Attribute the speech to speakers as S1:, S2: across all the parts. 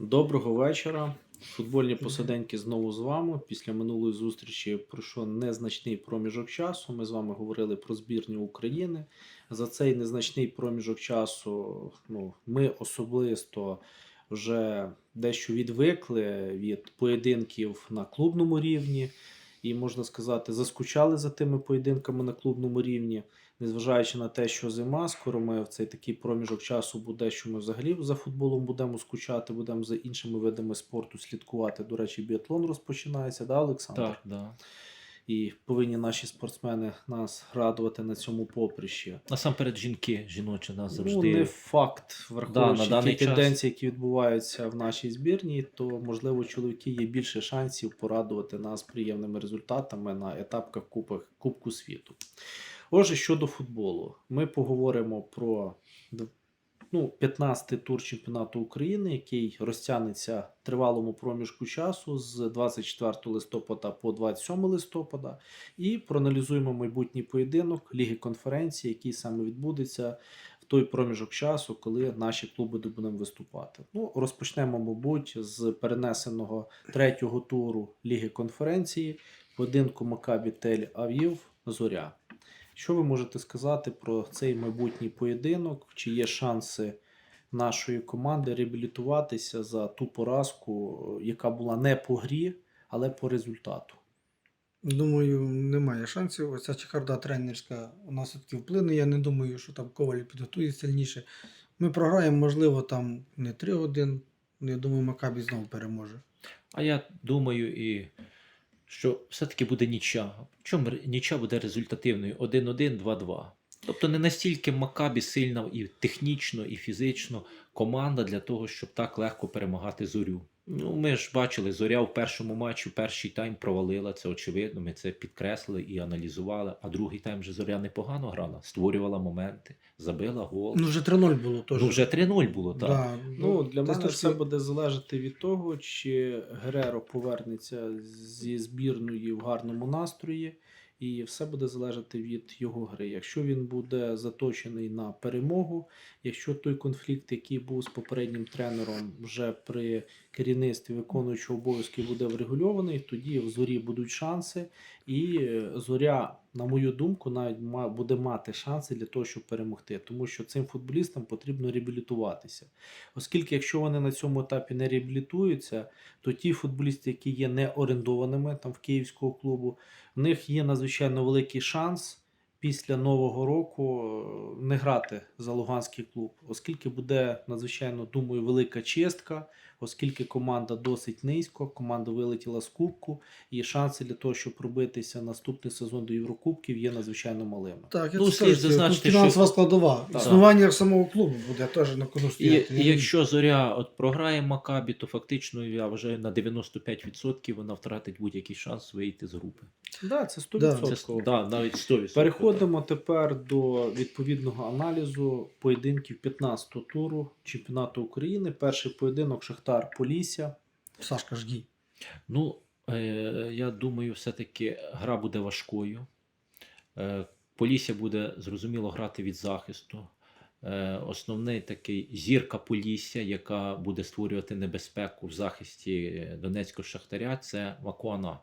S1: Доброго вечора. Футбольні посиденьки знову з вами. Після минулої зустрічі пройшов незначний проміжок часу. Ми з вами говорили про збірню України. За цей незначний проміжок часу ми особисто вже дещо відвикли від поєдинків на клубному рівні. І, можна сказати, заскучали за тими поєдинками на клубному рівні, незважаючи на те, що зима, скоро ми в цей такий проміжок часу буде, що ми взагалі за футболом будемо скучати, будемо за іншими видами спорту слідкувати. До речі, біатлон розпочинається, да, Олександр?
S2: Так, да.
S1: І повинні наші спортсмени нас радувати на цьому поприщі.
S2: Насамперед жінки, жіночі нас завжди.
S1: Ну, не факт, враховуючи
S2: на
S1: ті
S2: даний
S1: тенденції, які відбуваються в нашій збірні, то, можливо, чоловіки є більше шансів порадувати нас приємними результатами на етапах Кубку світу. Отже, щодо футболу, ми поговоримо про 15-й тур чемпіонату України, який розтягнеться в тривалому проміжку часу з 24 листопада по 27 листопада, і проаналізуємо майбутній поєдинок Ліги конференції, який саме відбудеться в той проміжок часу, коли наші клуби будуть виступати. Розпочнемо, мабуть, з перенесеного третього туру Ліги конференції, поєдинку Макабі Тель-Авів Зоря. Що ви можете сказати про цей майбутній поєдинок? Чи є шанси нашої команди реабілітуватися за ту поразку, яка була не по грі, але по результату?
S3: Думаю, немає шансів. Оця чехарда тренерська у нас все-таки вплине. Я не думаю, що там Коваль підготує сильніше. Ми програємо, можливо, там не 3-1. Я думаю, Макабі знову переможе.
S2: А я думаю, що все-таки буде нічия. Чому нічия буде результативною? 1-1, 2-2. Тобто не настільки Макабі сильна і технічно, і фізично команда для того, щоб так легко перемагати Зорю. Ми ж бачили, Зоря в першому матчі, в перший тайм провалила, це очевидно, ми це підкреслили і аналізували. А другий тайм вже Зоря непогано грала, створювала моменти, забила гол.
S3: Вже 3-0 було теж.
S2: Вже 3-0 було, так.
S3: Да.
S1: Для мене все буде залежати від того, чи Гереро повернеться зі збірної в гарному настрої, і все буде залежати від його гри. Якщо він буде заточений на перемогу, якщо той конфлікт, який був з попереднім тренером вже при керівництві виконуючого обов'язки, буде врегульований, тоді в Зорі будуть шанси, і Зоря, на мою думку, навіть буде мати шанси для того, щоб перемогти. Тому що цим футболістам потрібно реабілітуватися. Оскільки, якщо вони на цьому етапі не реабілітуються, то ті футболісти, які є не орендованими там в київського клубу, в них є надзвичайно великий шанс після Нового року не грати за Луганський клуб, оскільки буде надзвичайно, думаю, велика чистка, оскільки команда досить низько, команда вилетіла з Кубку, і шанси для того, щоб пробитися наступний сезон до Єврокубків, є надзвичайно малими.
S3: Так,
S2: слід зазначити,
S3: фінансова
S2: що
S3: складова.
S2: Так.
S3: Існування самого клубу буде теж на кону стояти.
S2: І якщо Зоря програє Макабі, то фактично, я вважаю, на 95% вона втратить будь-який шанс вийти з групи.
S1: Так, це 100%.
S2: Да, навіть 100%.
S1: Переходимо тепер до відповідного аналізу поєдинків 15-го туру чемпіонату України. Перший поєдинок Шахтар-Полісся.
S3: Сашка Жгій.
S2: Я думаю, все-таки гра буде важкою. Полісся буде, зрозуміло, грати від захисту. Основний такий зірка Полісся, яка буде створювати небезпеку в захисті Донецького Шахтаря, це Макуана.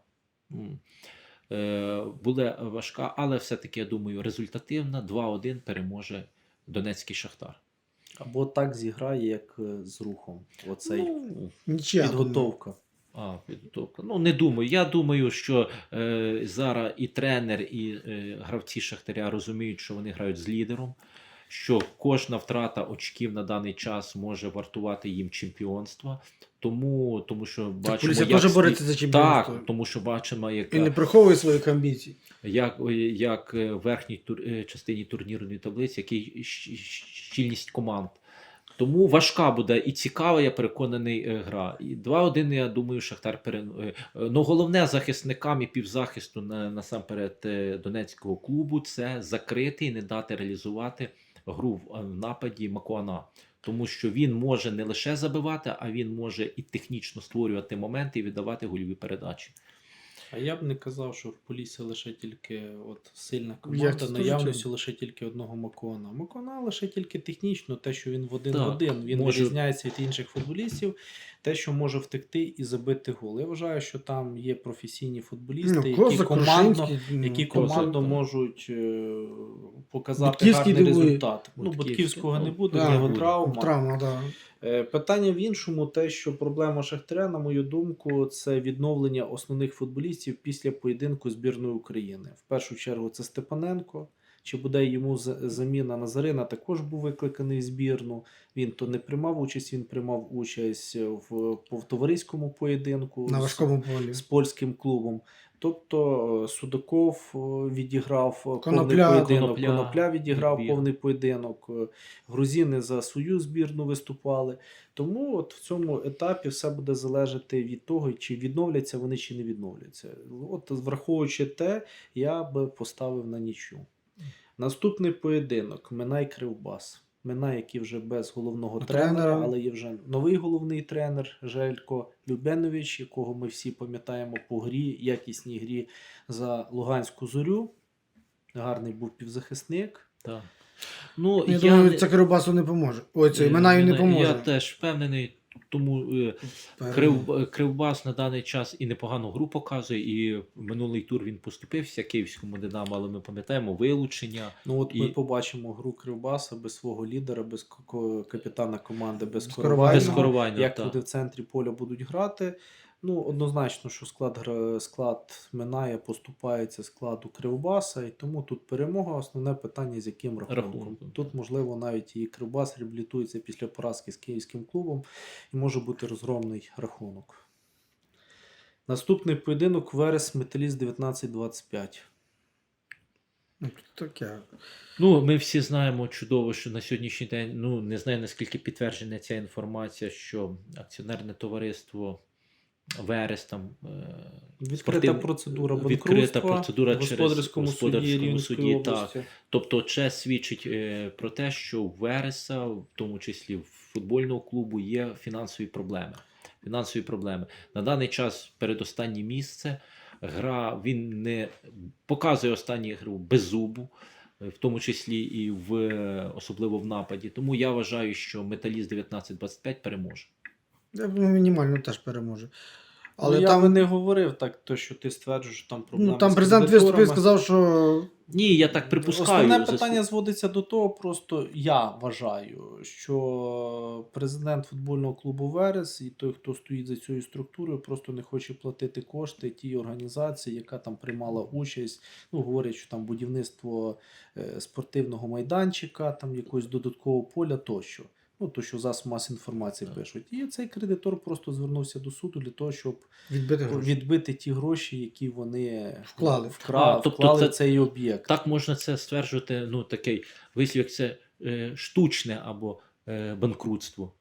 S2: Буде важка, але все-таки, я думаю, результативна. 2-1 переможе Донецький Шахтар.
S1: Або так зіграє, як з Рухом. Оцей
S3: Нічия.
S1: підготовка.
S2: Підготовка. Не думаю. Я думаю, що зараз і тренер, і гравці Шахтаря розуміють, що вони грають з лідером, що кожна втрата очків на даний час може вартувати їм чемпіонства. Тому що бачимо,
S3: Полісся теж бореться за чемпіонство.
S2: Так, тому що бачимо,
S3: І не приховує своїх амбіцій.
S2: як в верхній частині турнірної таблиці, який щільність команд. Тому важка буде і цікава, я переконаний, гра. І 2-1, я думаю, Шахтар переможе. Головне захисникам і півзахисту насамперед Донецького клубу – це закрити і не дати реалізувати гру в нападі Макуана. Тому що він може не лише забивати, а він може і технічно створювати моменти і віддавати гольові передачі.
S1: А я б не казав, що в Поліссі лише тільки от сильна
S3: Я
S1: команда,
S3: це теж
S1: наявністю
S3: чув.
S1: лише тільки одного Макона. Макона лише тільки технічно, те, що він в один
S2: Так,
S1: в один, він
S2: може-
S1: вирізняється від інших футболістів, те, що може втекти і забити гол. Я вважаю, що там є професійні футболісти, які
S3: Козак,
S1: командно,
S3: Крушинський,
S1: які
S2: Козак,
S1: командно
S2: так.
S1: можуть показати
S3: Будківський
S1: гарний
S3: дивує.
S1: результат. Ну,
S2: Будківський,
S1: Будківського не
S2: ну,
S1: буде,
S3: да,
S1: в нього
S2: буде.
S1: травма.
S3: Травма, да.
S1: Питання в іншому, те, що проблема Шахтаря, на мою думку, це відновлення основних футболістів після поєдинку збірної України. В першу чергу це Степаненко. Чи буде йому заміна Назарина, також був викликаний в збірну. Він то не приймав участь, він приймав участь в товариському поєдинку
S3: На важкому полі.
S1: з польським клубом. Тобто Судаков відіграв повний
S3: Конопля.
S1: поєдинок, Конопля відіграв
S2: відбір.
S1: повний поєдинок, грузини за свою збірну виступали. Тому от в цьому етапі все буде залежати від того, чи відновляться вони, чи не відновляться. От враховуючи те, я би поставив на нічю. Наступний поєдинок Минай-Кривбас. Минай, який вже без головного тренера,
S3: Тренера.
S1: але є вже новий головний тренер Желько Любенович, якого ми всі пам'ятаємо по грі, якісній грі за Луганську Зорю. Гарний був півзахисник.
S2: Так. Ну,
S3: Я
S2: я
S3: думаю,
S2: не-
S3: це Кривбасу не поможе. Ой, це
S2: е,
S3: Минаю не
S2: Я
S3: поможе.
S2: теж впевнений, тому Кривбас на даний час і непогану гру показує, і минулий тур він поступився Київському Динамо, але ми пам'ятаємо вилучення.
S1: Ну от ми
S2: І-
S1: побачимо гру Кривбаса без свого лідера, без капітана команди, без
S3: Без
S1: Коровайного.
S2: Без Коровайного,
S1: Як
S2: так.
S1: люди в центрі поля будуть грати. Ну, однозначно, що склад Минає поступається складу Кривбаса, і тому тут перемога. Основне питання, з яким рахунком.
S2: Рахунком,
S1: Тут,
S2: так.
S1: можливо, навіть і Кривбас реабілітується після поразки з київським клубом, і може бути розгромний рахунок. Наступний поєдинок Верес Металіст 19-25.
S3: Ну, таке.
S2: Ну, ми всі знаємо чудово, що на сьогоднішній день, ну, не знаю, наскільки підтверджена ця інформація, що акціонерне товариство Верес там
S1: Відкрита процедура банкрутства
S2: відкрита процедура
S1: в господарському
S2: через
S1: суді
S2: господарському
S1: Рівненської
S2: суді,
S1: області.
S2: Тобто це свідчить про те, що у Вереса, в тому числі в футбольного клубу, є фінансові проблеми. Фінансові проблеми. На даний час передостаннє місце. Гра, він не показує останню гру без зубу, в тому числі і особливо в нападі. Тому я вважаю, що Металіст 19-25 переможе.
S3: Я думаю, мінімально теж переможе. Але
S1: Але я
S3: там,
S1: би не говорив так, то, що ти стверджуєш, що там проблеми
S3: ну, там
S1: з
S3: президент
S1: кредиторами.
S3: виступив і сказав, що
S2: Ні, я так припускаю.
S1: Основне питання зводиться до того, просто я вважаю, що президент футбольного клубу Верес і той, хто стоїть за цією структурою, просто не хоче платити кошти тій організації, яка там приймала участь. Ну, говорять, що там будівництво спортивного майданчика, там якогось додаткового поля тощо. Ну, то, що засоб мас інформації пишуть. І цей кредитор просто звернувся до суду для того, щоб
S3: відбити гроші.
S1: відбити ті гроші, які вони
S3: Вклали.
S2: Тобто
S1: вклали
S2: це-
S1: в цей об'єкт.
S2: Так можна це стверджувати, ну, такий вислів, як це штучне або банкрутство.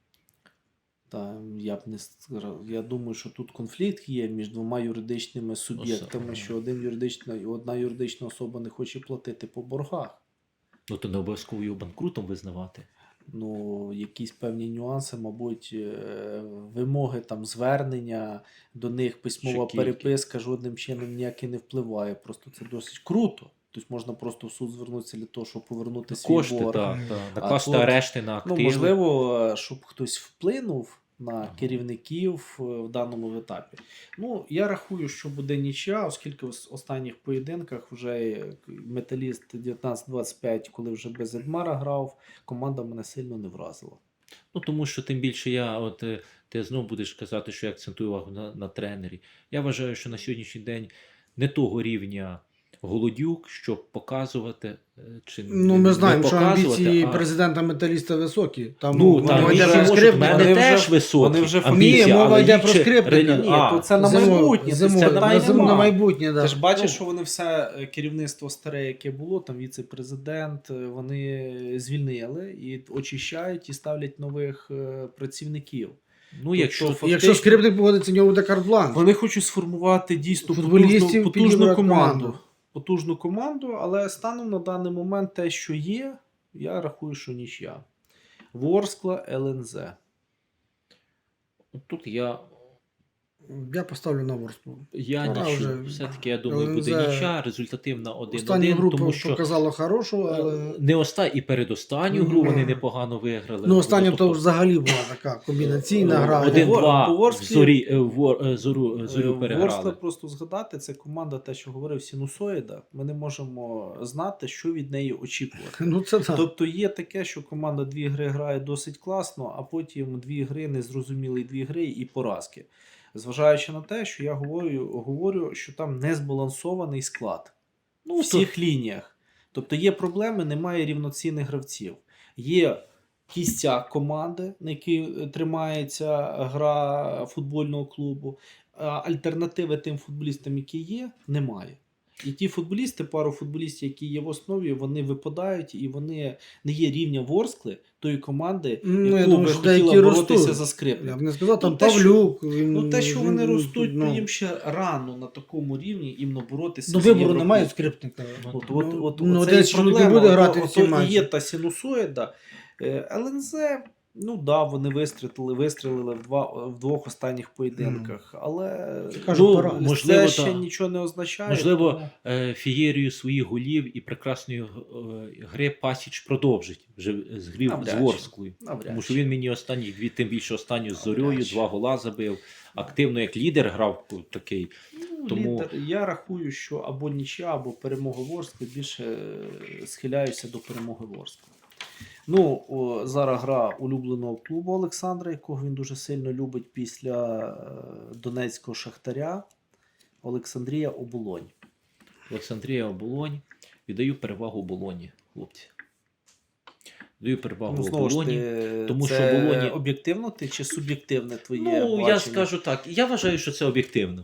S1: Та я б не сказав. Я думаю, що тут конфлікт є між двома юридичними суб'єктами,
S2: Особа.
S1: що одна юридична особа не хоче платити по боргах.
S2: Ну, то не обов'язково його банкрутом визнавати.
S1: Ну, якісь певні нюанси, мабуть, вимоги там звернення до них, письмова
S2: Ще кілька.
S1: переписка жодним чином ніяк і не впливає. Просто це досить круто. Тобто можна просто в суд звернутися для того, щоб повернути свій
S2: Кошти,
S1: борг.
S2: так,
S1: А
S2: накласти
S1: тут,
S2: арешти на
S1: Ну,
S2: активи.
S1: можливо, щоб хтось вплинув на
S2: Ага.
S1: керівників в даному етапі. Ну, я рахую, що буде нічия, оскільки в останніх поєдинках вже Металіст 19-25, коли вже без Едмара грав, команда мене сильно не вразила.
S2: Ну, тому що тим більше ти знову будеш казати, що я акцентую увагу на тренері. Я вважаю, що на сьогоднішній день не того рівня Голодюк, щоб показувати чи
S3: Ну, ми
S2: не
S3: знаємо, що
S2: показувати,
S3: амбіції
S2: а-
S3: президента Металіста високі. Там
S2: Ну, там
S3: мова йде
S2: вже
S3: про
S2: можуть, в
S3: скрипника.
S2: мене
S1: Вони
S2: теж
S1: вже-
S2: високі
S1: вони вже
S2: амбіції,
S3: Ні, мова
S2: але
S3: йде
S2: їх
S3: про
S2: ще
S3: скрипника.
S2: релі-
S1: Ні,
S2: А,
S1: то це на
S3: Зимове-
S1: майбутнє.
S3: зимове-
S1: це питань
S3: на
S1: нема.
S3: майбутнє, да.
S1: Ти ж бачиш,
S3: Ну,
S1: що вони все керівництво старе, яке було, там віце-президент, вони звільнили і очищають і ставлять нових працівників.
S2: Ну, якщо
S1: Тобто,
S3: якщо скрипник погодиться, у нього буде карт-бланш.
S1: Вони хочуть сформувати дійсно
S3: Футболістів
S1: потужну
S3: підібрати
S1: команду.
S3: команду.
S1: Потужну команду, але станом на даний момент те, що є, я рахую, що нічия. Ворскла, ЛНЗ.
S2: тут я
S3: Я поставлю на Ворсклу.
S2: Я
S3: Пора
S2: нічого.
S3: вже.
S2: Все-таки, я думаю,
S3: ЛНЗ
S2: буде нічия, результативна 1-1,
S3: Останню гру
S2: тому що
S3: показала хорошу, але...
S2: не і передостанню гру вони непогано виграли.
S3: Ну, останню
S2: Тобто,
S3: то взагалі була така комбінаційна гра.
S2: 1-2
S1: По
S2: в
S1: Ворсклі-
S2: зорю переграли.
S1: Ворскла просто згадати, це команда, те, що говорив Сінусоїда. Ми не можемо знати, що від неї очікувати.
S3: Ну, це так.
S1: Тобто є таке, що команда 2 гри грає досить класно, а потім 2 гри незрозумілі 2 гри і поразки. Зважаючи на те, що я говорю, що там незбалансований склад. Ну, у всіх лініях. Тобто є проблеми, немає рівноцінних гравців. Є кістяк команди, на якій тримається гра футбольного клубу. А альтернативи тим футболістам, які є, немає. І ті футболісти, пару футболістів, які є в основі, вони випадають і вони не є рівня Ворскли, тої команди,
S3: Ну, я
S1: яку
S3: думаю,
S1: би
S3: що
S1: хотіла
S3: деякі
S1: боротися
S3: ростуть.
S1: за
S3: Я
S1: Скрипник.
S3: б не сказав, там
S1: Ну, те, що-
S3: Павлюк.
S1: Ну, те, що вони ростуть,
S3: ну,
S1: то їм ще рано на такому рівні іменно боротися.
S3: Ну,
S1: з
S3: вибору
S1: Європою.
S3: немає Скрипника.
S1: Оце
S3: один
S1: і
S3: чоловік
S1: проблема.
S3: буде грати
S1: Ото
S3: всі
S1: і
S3: матчі.
S1: є та синусоїда. ЛНЗ, ну да, вони вистрілили в 2 останніх поєдинках, але
S3: Кажу, пора.
S2: Можливо,
S1: це ще
S2: та.
S1: нічого не означає.
S2: Можливо,
S1: тому-
S2: фієрію своїх голів і прекрасної гри Пасіч продовжить вже з грів
S1: Навряд
S2: з
S1: чи.
S2: Ворсклою.
S1: Навряд
S2: Тому що
S1: чи.
S2: він мені останні тим більше останню з Зорьою,
S1: Навряд чи.
S2: 2 гола забив. Активно як лідер грав такий.
S1: Ну,
S2: Тому-
S1: лідер, я рахую, що або нічия, або перемога Ворскли, більше схиляюся до перемоги Ворскли. Ну, зараз гра улюбленого клубу Олександра, якого він дуже сильно любить після Донецького Шахтаря. Олександрія Оболонь.
S2: Олександрія Оболонь. Віддаю перевагу Оболоні, хлопці. Даю перевагу
S1: Ну, знову ж
S2: Оболоні.
S1: ти,
S2: тому
S1: це
S2: що Оболоні-
S1: об'єктивно ти чи суб'єктивне твоє
S2: Ну,
S1: бачення?
S2: я скажу так. Я вважаю, що це об'єктивно.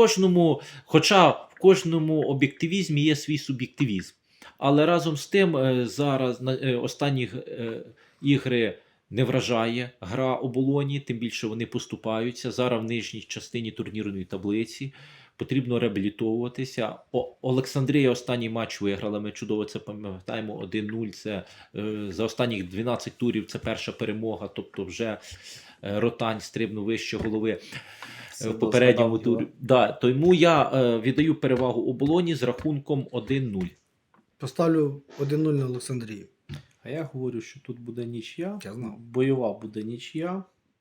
S2: Хоча в кожному об'єктивізмі є свій суб'єктивізм. Але разом з тим, зараз останні ігри не вражає гра Оболоні, тим більше вони поступаються. Зараз в нижній частині турнірної таблиці. Потрібно реабілітовуватися. Олександрія останній матч виграла. Ми чудово це пам'ятаємо. 1-0. Це за останніх 12 турів це перша перемога. Тобто вже Ротань стрибнув вище голови
S1: Все
S2: в попередньому
S1: згадав
S2: турі. Да, тому я віддаю перевагу Оболоні з рахунком 1-0.
S3: Поставлю 1-0 на Олександрію.
S1: А я говорю, що тут буде нічия.
S3: Я знав.
S1: Бойова буде нічия.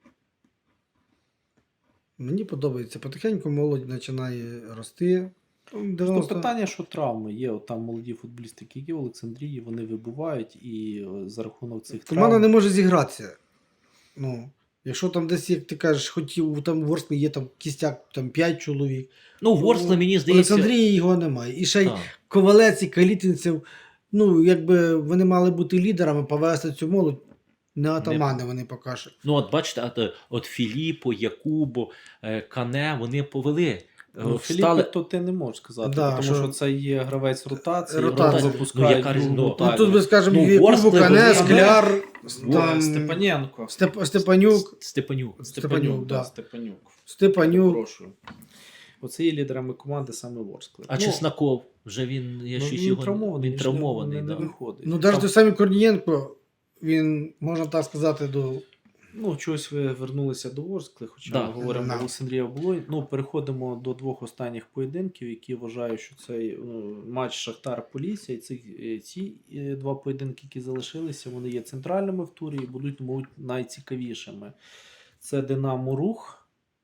S3: Мені подобається. Потихеньку молодь починає рости.
S1: То
S3: 90...
S1: питання, що травми є. От там молоді футболісти, які є в Олександрії, вони вибувають, і за рахунок цих
S3: Команда
S1: травм...
S3: не може зігратися. Ну, якщо там десь, як ти кажеш, хотів, там в Ворсклі є там кістяк, там 5 чоловік.
S2: Ну, Ворскла, мені
S3: В
S2: здається...
S3: Олександрії його немає. І ще й
S2: Так.
S3: Ковалець і Калітинцев, ну, якби вони мали бути лідерами, повести цю молодь. Не атамани вони покажуть.
S2: Ну, от бачите, от Філіппо, Якубо, Кане, вони повели.
S1: Ну, Філіппе, то ти не можеш сказати,
S3: Да,
S1: тому
S3: що-
S1: що це є гравець ротації,
S3: Ротація.
S1: його випускають
S2: Ну, яка
S1: другу
S2: різниця?
S1: ротацію.
S3: Ну, тут би, скажемо,
S2: Ну,
S3: Якубу,
S2: Ворскли
S3: Кане,
S2: вони-
S3: Скляр, там,
S1: Степаненко.
S3: Степанюк.
S2: Степанюк.
S3: Степанюк, да.
S1: Степанюк.
S3: Степанюк.
S1: Прошу. Оце є лідерами команди саме Ворскли.
S2: А Чесноков, вже він, я щось
S1: він
S2: його...
S1: травмований,
S2: Він травмований,
S1: не
S2: да.
S1: виходить.
S3: Ну, навіть
S1: Там-
S3: той самий Корнієнко, він, можна так сказати, до...
S1: Ну, чогось ви вернулися до Ворскли, хоча
S2: Да.
S1: ми говоримо
S3: Да.
S1: Олександрія Оболонь. Ну, переходимо до 2 останніх поєдинків, які вважаю, що цей матч Шахтар-Полісся, і ці 2 поєдинки, які залишилися, вони є центральними в турі і будуть, мабуть, найцікавішими. Це Динамо Рух.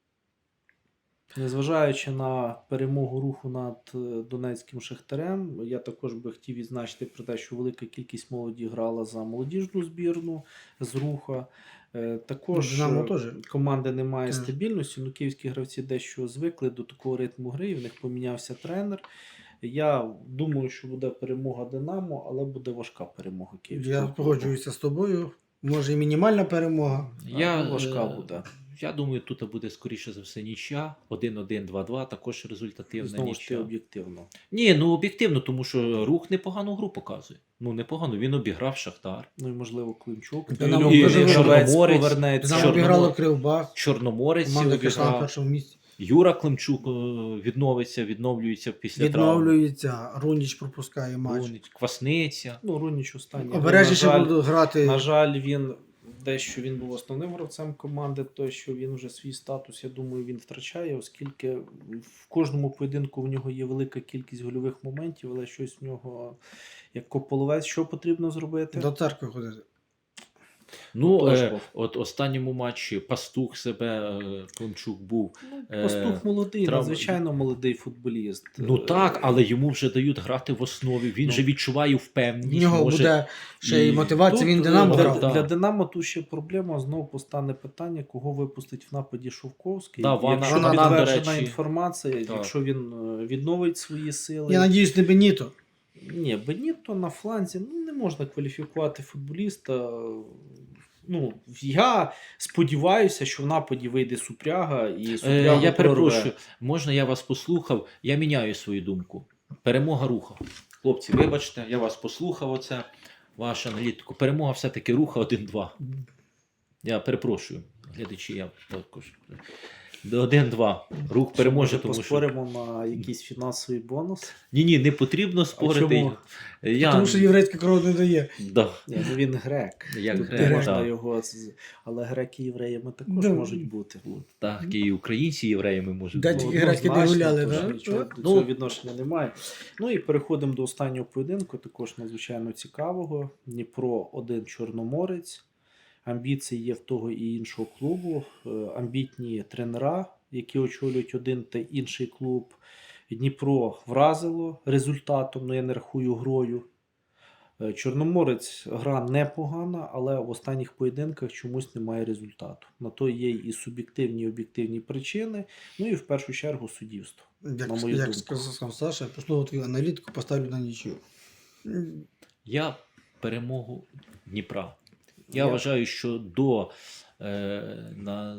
S1: Незважаючи на перемогу Руху над Донецьким Шахтарем, я також би хотів відзначити про те, що велика кількість молоді грала за молодіжну збірну з Руха. Також
S3: Динамо теж.
S1: команди немає
S3: Так.
S1: стабільності, ну київські гравці дещо звикли до такого ритму гри, і в них помінявся тренер. Я думаю, що буде перемога Динамо, але буде важка перемога київського.
S3: Я
S1: клубу.
S3: погоджуюся з тобою. Може і мінімальна перемога.
S1: Важка буде.
S2: Я думаю, тут буде скоріше за все нічия. 1-1, 2-2, також результативна
S1: Знову ж таки
S2: нічия.
S1: об'єктивно.
S2: Ні, ну об'єктивно, тому що Рух непогану гру показує. Ну, непогано, він обіграв Шахтар.
S1: Ну і можливо Климчук.
S3: Динамо
S1: І
S3: дуже
S1: гравець
S2: Чорноморець.
S1: повернеться.
S3: Динамо
S2: Чорномор-
S3: обіграло Кривбах.
S2: Чорноморець
S3: Команда, яка йшла на
S2: обіграв.
S3: першому місці.
S2: Юра Климчук відновлюється після травми.
S3: Відновлюється. Руніч пропускає матч.
S2: Квасниця.
S1: Ну, Руніч останній.
S3: Обережніше
S1: на жаль,
S3: будуть грати.
S1: на жаль, він дещо він був основним гравцем команди, то що він вже свій статус, я думаю, він втрачає, оскільки в кожному поєдинку в нього є велика кількість гольових моментів, але щось в нього, як кополовець, що потрібно зробити?
S3: До церкви ходити.
S2: Ну,
S1: Тож,
S2: от останньому матчі Пастух себе, Климчук був.
S1: Пастух молодий,
S2: трав-
S1: надзвичайно молодий футболіст.
S2: Ну так, але йому вже дають грати в основі. Він
S1: Ну,
S2: же відчуває
S3: В
S2: впевненість.
S3: нього
S2: може...
S3: буде ще й
S2: і
S3: мотивація,
S1: Тут,
S3: він Динамо
S1: для,
S3: грав.
S2: да.
S1: для Динамо тут ще проблема, знову постане питання, кого випустить в нападі Шовковський.
S2: Да, Вана-
S1: якщо
S3: Вана,
S1: підтверджена
S2: до речі,
S1: інформація,
S2: так.
S1: якщо він відновить свої сили.
S3: Я надіюсь, не Беніто.
S1: Ні, Беніто на фланзі не можна кваліфікувати футболіста. Ну, я сподіваюся, що в нападі вийде Супряга і Супрягу
S2: Я
S1: прорве.
S2: перепрошую, можна я вас послухав? Я міняю свою думку. Перемога Руха. Хлопці, вибачте, я вас послухав оце, вашу аналітику. Перемога все-таки Руха 1-2. Я перепрошую, глядачі, я також. 1-2. Рух переможе,
S1: Може,
S2: тому що...
S1: поспоримо на якийсь фінансовий бонус.
S2: Ні, не потрібно спорити.
S1: чому?
S3: Тому що єврейська кров не дає.
S2: Да.
S1: Ні, ну він грек.
S2: Як
S1: Тут
S2: грек,
S1: не можна
S2: так.
S1: його. Але греки євреями також
S3: Да.
S1: можуть бути.
S2: Так, і українці євреями можуть
S3: Да,
S2: бути.
S3: тільки греки не гуляли,
S1: тож
S3: да?
S1: нічого до
S2: Ну,
S1: цього відношення немає. Ну і переходимо до останнього поєдинку, також надзвичайно цікавого. Дніпро 1 Чорноморець. Амбіції є в того і іншого клубу. Амбітні тренера, які очолюють один та інший клуб. Дніпро вразило результатом, ну я не рахую грою. Чорноморець гра непогана, але в останніх поєдинках чомусь немає результату. На то є і суб'єктивні, і об'єктивні причини, ну і в першу чергу суддівство.
S3: Як,
S1: На мою
S3: як
S1: думку.
S3: сказав Саша, я послухав твою аналітику, поставлю на нічию.
S2: Я перемогу Дніпра. Я
S1: Я-
S2: вважаю, що до на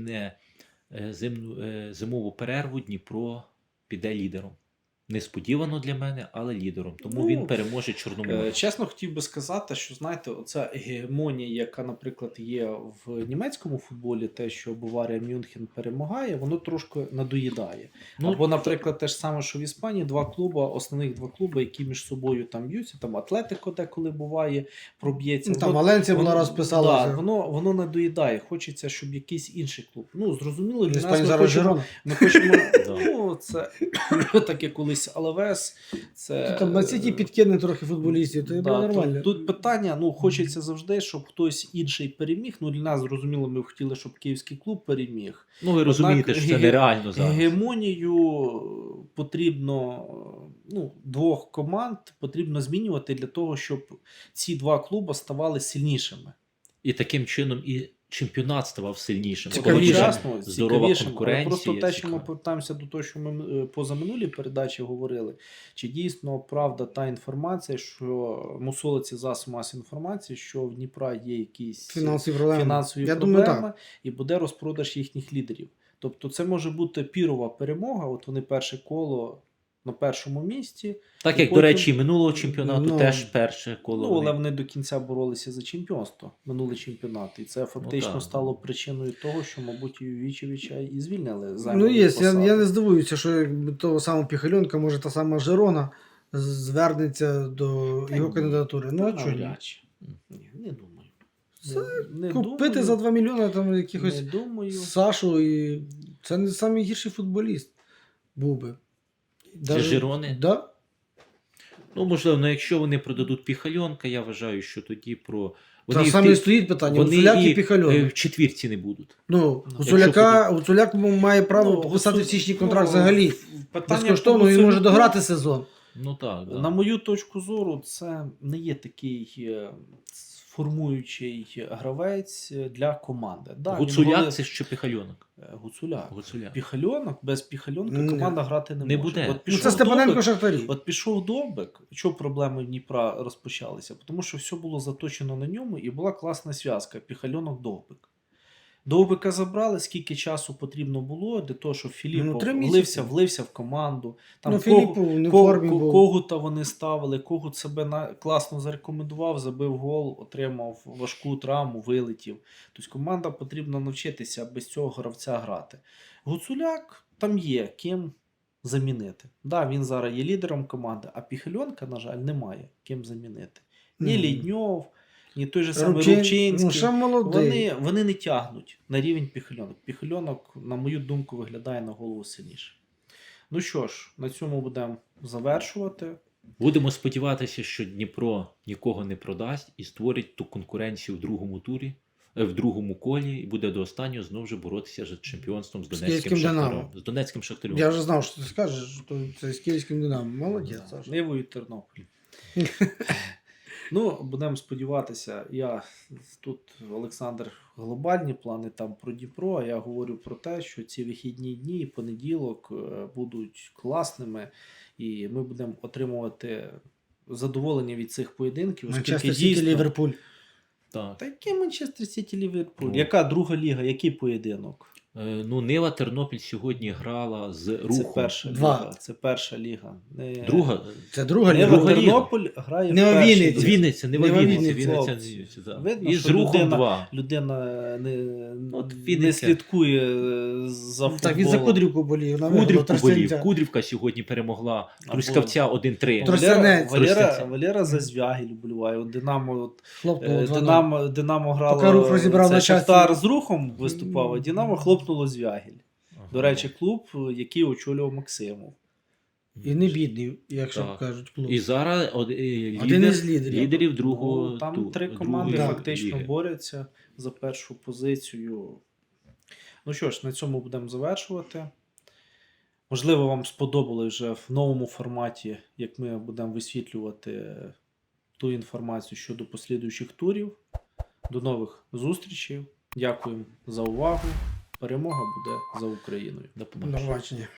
S2: зимову перерву Дніпро піде лідером. Несподівано для мене, але лідером. Тому
S1: Ну,
S2: він переможе Чорноморець.
S1: Чесно, хотів би сказати, що знаєте, оця гегемонія, яка, наприклад, є в німецькому футболі, те, що Баварія Мюнхен перемагає, воно трошки надоїдає.
S2: Ну,
S1: Або, наприклад, те ж саме, що в Іспанії основних два клуби, які між собою там б'ються, там Атлетико деколи буває, проб'ється.
S3: Там
S1: Воно-
S3: Валенція була
S1: воно-
S3: розписалася.
S1: Да, воно надоїдає. Хочеться, щоб якийсь інший клуб. Ну, зрозуміло,
S3: В
S1: для
S3: Іспанії
S1: нас ми
S3: зараз
S1: хочемо,
S3: Жирона.
S1: ми хочемо
S2: Да.
S1: ну, це таке колись Алавес. Це,
S3: Там Ман-Сіті підкине трохи футболістів, то
S1: Да,
S3: нормально.
S1: тут питання, ну, хочеться завжди, щоб хтось інший переміг. Ну, для нас, зрозуміло, ми б хотіли, щоб київський клуб переміг.
S2: Ну, ви розумієте, що це нереально зараз.
S1: Гегемонію потрібно, ну, двох команд потрібно змінювати для того, щоб ці два клуби ставали сильнішими.
S2: І таким чином і чемпіонат ставав сильнішим.
S3: Цікавіше.
S2: Коли
S1: Одночасно,
S2: здорова
S1: цікавішим. Але
S2: конкуренція.
S1: просто те, що ми
S2: цікаво.
S1: повертаємося до того, що ми позаминулі передачі говорили, чи дійсно правда та інформація, що мусолиться засоб масової інформації, що в Дніпра є якісь
S3: Фінансові проблеми.
S1: фінансові
S3: Я
S1: проблеми
S3: думаю, так.
S1: і буде розпродаж їхніх лідерів. Тобто це може бути пірова перемога, от вони перше коло на першому місці,
S2: Так
S1: і
S2: як, до
S1: потім-
S2: речі, минулого чемпіонату
S3: Ну,
S2: теж перше коло.
S1: ну, але
S2: вони-
S1: вони до кінця боролися за чемпіонство, минулий чемпіонат. І це фактично
S2: так.
S1: стало причиною того, що, мабуть, Ювічевича і звільнили
S3: Ну,
S1: займаної
S3: є,
S1: посади.
S3: я не здивуюся, що якби того самого Піхальонка, може та сама Жирона звернеться до
S1: Та
S3: його
S1: ні.
S3: кандидатури. Ну, а
S1: Та
S3: чого ні?
S1: навряд чи. Ні, не думаю.
S3: Це
S1: не
S3: Купити
S1: думаю,
S3: за 2 мільйони там якихось
S1: не думаю.
S3: Сашу, і це не найгірший футболіст був би.
S2: Для Жирони?
S3: Да?
S2: Ну, можливо, ну, якщо вони продадуть Піхальонка, я вважаю, що тоді про...
S3: Та
S2: в
S3: саме
S2: ті-
S3: і стоїть питання.
S2: вони
S3: Гуцуляк і
S2: і
S3: Піхальон.
S2: в четвірці не будуть.
S3: Ну,
S2: якщо
S3: Гуцуляк має право
S1: Ну,
S3: підписати в
S1: Гуцу-
S3: січні контракт
S1: ну,
S3: взагалі.
S1: питання
S3: Безкоштовно
S1: по
S3: він може
S1: Гуцуляку,
S3: дограти сезон.
S2: Ну так, да.
S1: На мою точку зору, це не є такий формуючий гравець для команди. Да, він
S2: Гуцуляк
S1: голи-
S2: це що Піхальонок.
S1: Гуцуляк.
S2: Гуцуляк.
S1: Піхальонок, без Піхальонка
S3: Ні.
S1: команда грати не
S2: Не
S1: може.
S2: буде.
S1: От
S3: Ну,
S1: пішов
S3: це Степаненко
S1: Довбик,
S3: Шахтарі.
S1: От пішов Довбик, що проблеми в Дніпра розпочалися? Тому що все було заточено на ньому і була класна зв'язка Піхальонок-Довбик. Довбика забрали, скільки часу потрібно було для того, щоб Філіпов
S3: 3 місяці.
S1: влився в команду. Там
S3: Ну, Філіппов не в формі був.
S1: Когута вони ставили, Когут себе класно зарекомендував, забив гол, отримав важку травму, вилетів. Тобто команда потрібно навчитися без цього гравця грати. Гуцуляк там є ким замінити. Да, він зараз є лідером команди, а Піхальонка, на жаль, немає ким замінити. Ні
S3: Мгм.
S1: Лідньов, ні той же самий
S3: Ну,
S1: Рубчинський.
S3: ще молодий.
S1: Вони не тягнуть на рівень Піхальонок. Піхальонок, на мою думку, виглядає на голову сильніше. Ну що ж, на цьому будемо завершувати.
S2: Будемо сподіватися, що Дніпро нікого не продасть і створить ту конкуренцію в другому турі, в другому колі, і буде до останнього знову ж боротися за чемпіонством з Донецьким
S3: Київським
S2: Шахтарем.
S3: «Динамо».
S2: З Донецьким Шахтарем.
S3: Я вже знав, що ти скажеш, що це з Київським Динамо. Молодець, Саша.
S1: Нивою Тернопіль. Ну, будемо сподіватися, тут Олександр глобальні плани там про Дніпро, а я говорю про те, що ці вихідні дні і понеділок будуть класними, і ми будемо отримувати задоволення від цих поєдинків. оскільки
S3: Манчестер Сіті, Ліверпуль.
S2: Так.
S1: Та який Манчестер Сіті Ліверпуль?
S2: Ну.
S1: Яка друга ліга, який поєдинок?
S2: Ну, Нива Тернопіль сьогодні грала з
S1: Це
S2: Рухом.
S1: перша
S3: Два.
S1: ліга. Це перша ліга.
S2: Друга.
S3: Це друга
S1: Нива
S3: ліга.
S2: Друга ліга.
S1: Тернопіль грає
S3: Не
S1: в першій
S3: Вінниці.
S1: лізі.
S2: Вінниця, не
S3: Нива
S2: Вінниця.
S3: Вінниця.
S2: Вінниця, да.
S1: Видно,
S2: І
S1: що
S2: з Рухом
S1: людина-
S2: 2.
S1: Людина
S2: От
S1: не
S2: Вінниця.
S1: слідкує за футболом.
S3: Так, він за Кудрівку болів.
S2: Кудрівку болів. Кудрівка сьогодні перемогла
S1: Або-
S2: Трускавця 1-3.
S3: Тростянець.
S1: Валера за Звягіль вболіває. От
S3: Хлопнув 2-0.
S1: Динамо грало.
S3: Поки Рух розібрав
S1: це
S3: на часті.
S1: Шахтар з Рухом виступав, а Динамо хлопнуло Звягіль. До речі, клуб, який очолював Максимов.
S3: І не бідний, якщо
S2: Так.
S3: кажуть, клуб.
S2: І зараз
S3: Один із лідерів.
S2: лідерів другого
S1: Ну, там
S2: ту-
S1: три
S2: другої
S1: команди
S3: Да.
S1: фактично
S2: ліги.
S1: борються за першу позицію. Ну що ж, на цьому будемо завершувати. Можливо, вам сподобалось вже в новому форматі, як ми будемо висвітлювати ту інформацію щодо послідуючих турів. До нових зустрічей. Дякуємо за увагу. Перемога буде за Україною.
S2: До
S3: До
S2: побачення.
S3: побачення.